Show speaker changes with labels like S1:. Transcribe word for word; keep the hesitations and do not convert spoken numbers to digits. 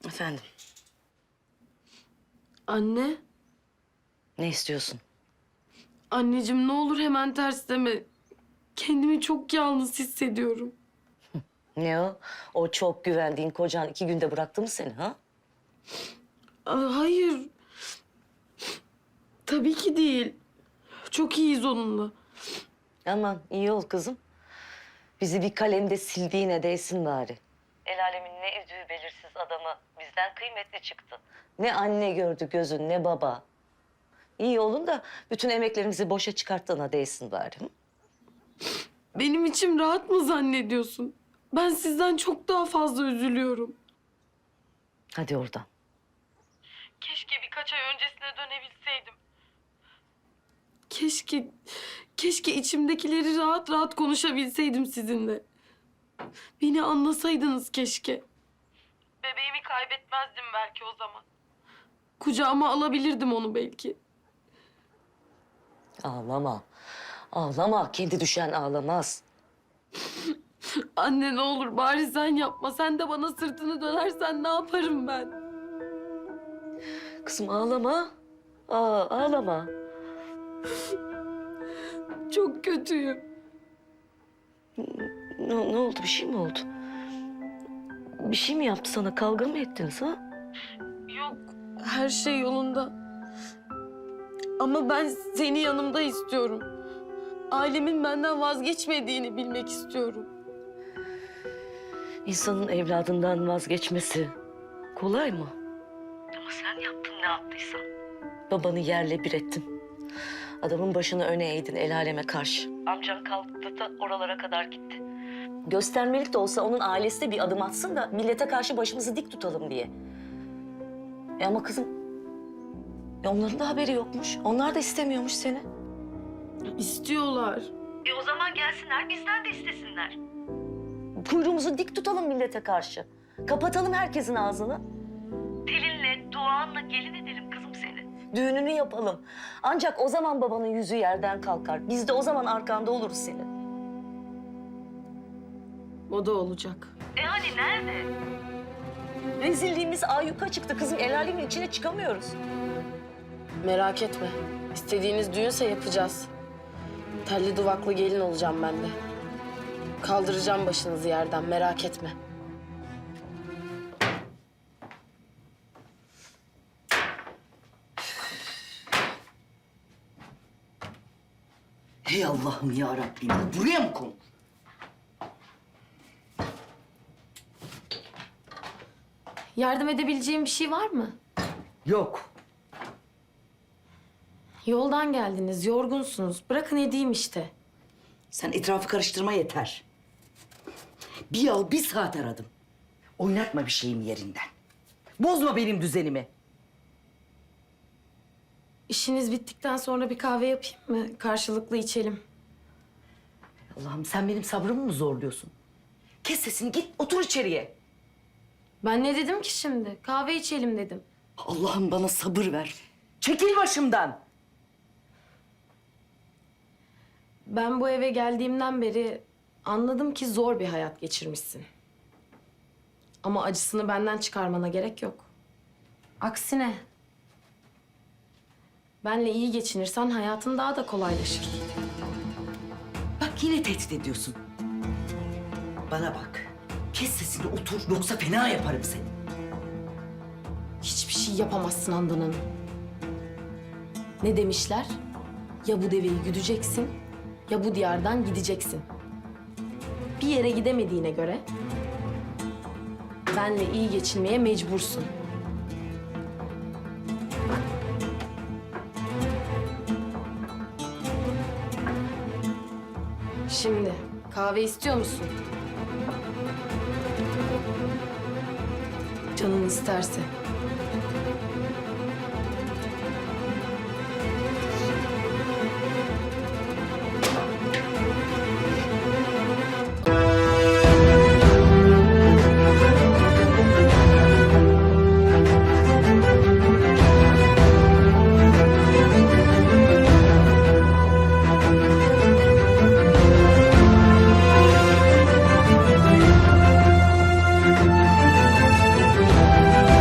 S1: Efendim,
S2: Anne,
S1: ne istiyorsun?
S2: anneciğim ne olur hemen ters deme. Kendimi çok yalnız hissediyorum.
S1: Ne o? O çok güvendiğin kocan iki günde bıraktı mı seni ha?
S2: Aa, hayır. Tabii ki değil. Çok iyiyiz onunla.
S1: Aman iyi ol kızım. Bizi bir kalemde sildiğine değsin bari. El alemin ne üzdüğü belirsiz adamı bizden kıymetli çıktı. Ne anne gördü gözün ne baba. İyi olun da bütün emeklerimizi boşa çıkarttığına değsin bari. Hı?
S2: Benim içim rahat mı zannediyorsun? Ben sizden çok daha fazla üzülüyorum.
S1: Hadi oradan.
S2: Keşke birkaç ay öncesine dönebilseydim. Keşke, keşke içimdekileri rahat rahat konuşabilseydim sizinle. Beni anlasaydınız keşke. Bebeğimi kaybetmezdim belki o zaman. Kucağıma alabilirdim onu belki.
S1: Ağlama. Ağlama. Kendi düşen ağlamaz.
S2: Anne ne olur bari sen yapma. Sen de bana sırtını dönersen ne yaparım ben?
S1: Kızım ağlama. Aa, ağlama.
S2: Çok kötüyüm.
S1: Ne, ne oldu? Bir şey mi oldu? Bir şey mi yaptı sana? Kavga mı ettiniz ha?
S2: Yok, her şey yolunda. Ama ben seni yanımda istiyorum. Ailemin benden vazgeçmediğini bilmek istiyorum.
S1: İnsanın evladından vazgeçmesi kolay mı? Ama sen yaptın ne yaptıysan. Babanı yerle bir ettin. Adamın başını öne eğdin el aleme karşı. Amcan kalktı da oralara kadar gitti. Göstermelik de olsa onun ailesi de bir adım atsın da millete karşı başımızı dik tutalım diye. E ama kızım, e onların da haberi yokmuş. Onlar da istemiyormuş seni.
S2: İstiyorlar.
S1: E o zaman gelsinler, bizden de istesinler. Kuyruğumuzu dik tutalım millete karşı. Kapatalım herkesin ağzını. Pelin'le, Doğan'la gelin edelim kızım seni. Düğününü yapalım. Ancak o zaman babanın yüzü yerden kalkar. Biz de o zaman arkanda oluruz senin.
S2: O da olacak.
S1: E hani nerede? Rezilliğimiz ayyuka çıktı kızım. El alemin içine çıkamıyoruz.
S2: Merak etme. İstediğiniz düğünse yapacağız. Telli duvaklı gelin olacağım ben de. Kaldıracağım başınızı yerden, merak etme.
S3: Hey Allah'ım ya Rabbim, buraya mı konu?
S2: Yardım edebileceğim bir şey var mı?
S3: Yok.
S2: Yoldan geldiniz, yorgunsunuz. Bırakın edeyim işte.
S3: Sen etrafı karıştırma yeter. Bir yıl bir saat aradım. Oynatma bir şeyim yerinden. Bozma benim düzenimi.
S2: İşiniz bittikten sonra bir kahve yapayım mı? Karşılıklı içelim.
S3: Allah'ım sen benim sabrımı mı zorluyorsun? Kes sesini git otur içeriye.
S2: Ben ne dedim ki şimdi? Kahve içelim dedim.
S3: Allah'ım bana sabır ver. Çekil başımdan.
S2: Ben bu eve geldiğimden beri anladım ki zor bir hayat geçirmişsin. Ama acısını benden çıkarmana gerek yok. Aksine benle iyi geçinirsen hayatın daha da kolaylaşır.
S3: Bak yine tehdit ediyorsun. Bana bak. Kes sesini otur yoksa fena yaparım seni.
S2: Hiçbir şey yapamazsın Handan Hanım. Ne demişler? Ya bu deveyi güdeceksin ya bu diyardan gideceksin. Bir yere gidemediğine göre benle iyi geçinmeye mecbursun. Şimdi kahve istiyor musun? Canın isterse.